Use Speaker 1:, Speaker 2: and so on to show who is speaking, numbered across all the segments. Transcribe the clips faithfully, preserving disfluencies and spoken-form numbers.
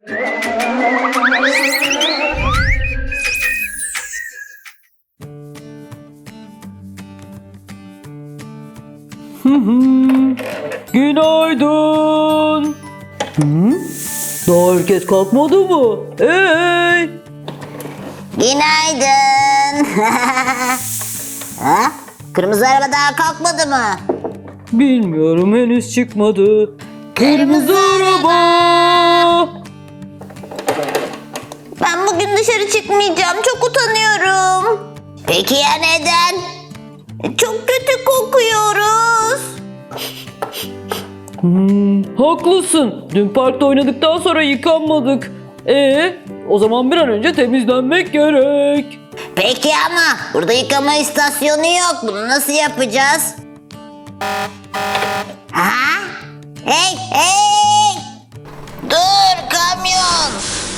Speaker 1: Günaydın. Hı? Daha herkes kalkmadı mı? Hey!
Speaker 2: Günaydın. Ha? Kırmızı araba daha kalkmadı mı?
Speaker 1: Bilmiyorum, henüz çıkmadı. Kırmızı araba.
Speaker 2: Ben bugün dışarı çıkmayacağım. Çok utanıyorum. Peki ya neden? Çok kötü kokuyoruz.
Speaker 1: Hmm, haklısın. Dün parkta oynadıktan sonra yıkanmadık. Ee, o zaman bir an önce temizlenmek gerek.
Speaker 2: Peki ama burada yıkama istasyonu yok. Bunu nasıl yapacağız? Ha? Hey hey! Dur kamyon!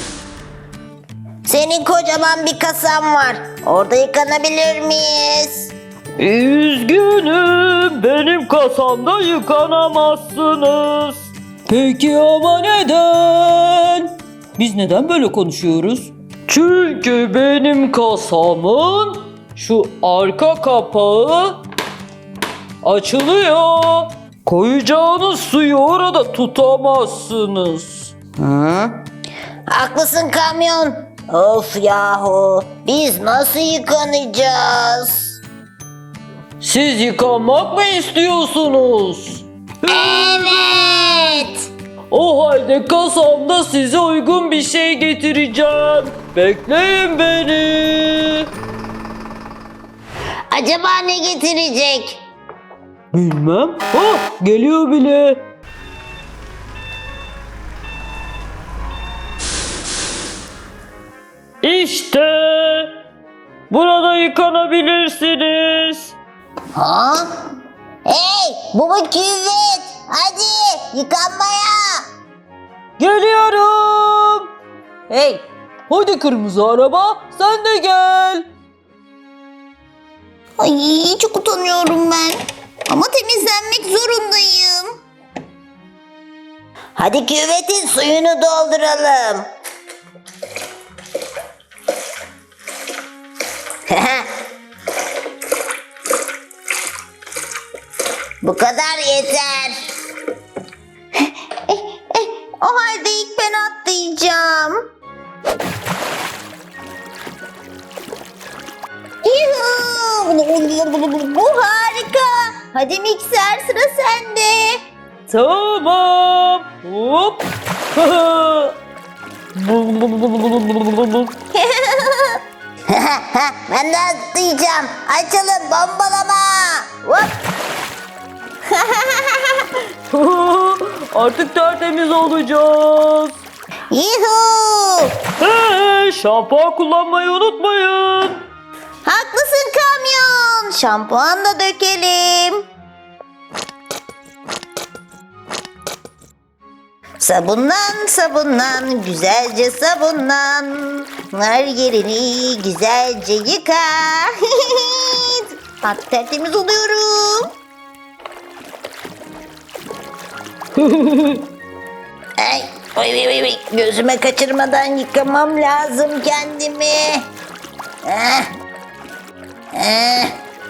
Speaker 2: Senin kocaman bir kasan var. Orada yıkanabilir miyiz?
Speaker 1: Üzgünüm, benim kasamda yıkanamazsınız. Peki ama neden? Biz neden böyle konuşuyoruz? Çünkü benim kasamın şu arka kapağı açılıyor. Koyacağınız suyu orada tutamazsınız.
Speaker 2: Hı? Haklısın kamyon. Of yahu. Biz nasıl yıkanacağız?
Speaker 1: Siz yıkanmak mı istiyorsunuz?
Speaker 2: Evet.
Speaker 1: O halde kasamda size uygun bir şey getireceğim. Bekleyin beni.
Speaker 2: Acaba ne getirecek?
Speaker 1: Bilmem. Ah, geliyor bile. İşte. Burada yıkanabilirsiniz.
Speaker 2: Ha? Hey, bu mu küvet? Hadi yıkanmaya.
Speaker 1: Geliyorum. Hey, hadi kırmızı araba, sen de gel.
Speaker 2: Ay çok utanıyorum ben. Ama temizlenmek zorundayım. Hadi küvetin suyunu dolduralım. Bu kadar yeter. O halde ilk ben atlayacağım. Yuhuu! Bu harika. Hadi mikser, sıra sende.
Speaker 1: Tamam. Hop.
Speaker 2: Ben de atlayacağım. Açalım, bombalama. Hop.
Speaker 1: Artık tertemiz olacağız.
Speaker 2: Yuhuu!
Speaker 1: Hey, şampuan kullanmayı unutmayın.
Speaker 2: Haklısın kamyon. Şampuan da dökelim. Sabunlan sabunlan, güzelce sabunlan. Her yerini güzelce yıka. Bak tertemiz oluyorum. Ay, oy, oy, oy, oy. Gözüme kaçırmadan yıkamam lazım kendimi. Ah. Ah.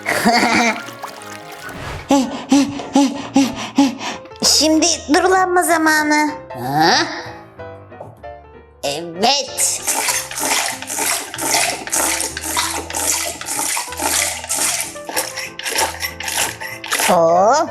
Speaker 2: Şimdi durulanma zamanı. Ha? Evet. Oh.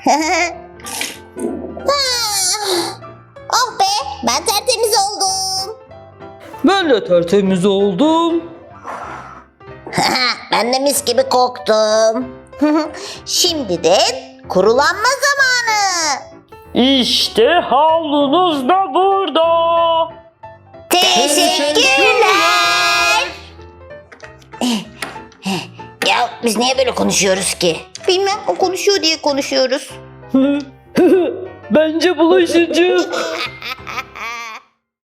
Speaker 2: Oh be, ben tertemiz oldum.
Speaker 1: Ben de tertemiz oldum.
Speaker 2: Ben de mis gibi koktum. Şimdi de kurulanma zamanı.
Speaker 1: İşte havlunuz da burada.
Speaker 2: Teşekkürler. Ya biz niye böyle konuşuyoruz ki? Bilmem, o konuşuyor diye konuşuyoruz.
Speaker 1: Bence bulaşıcı.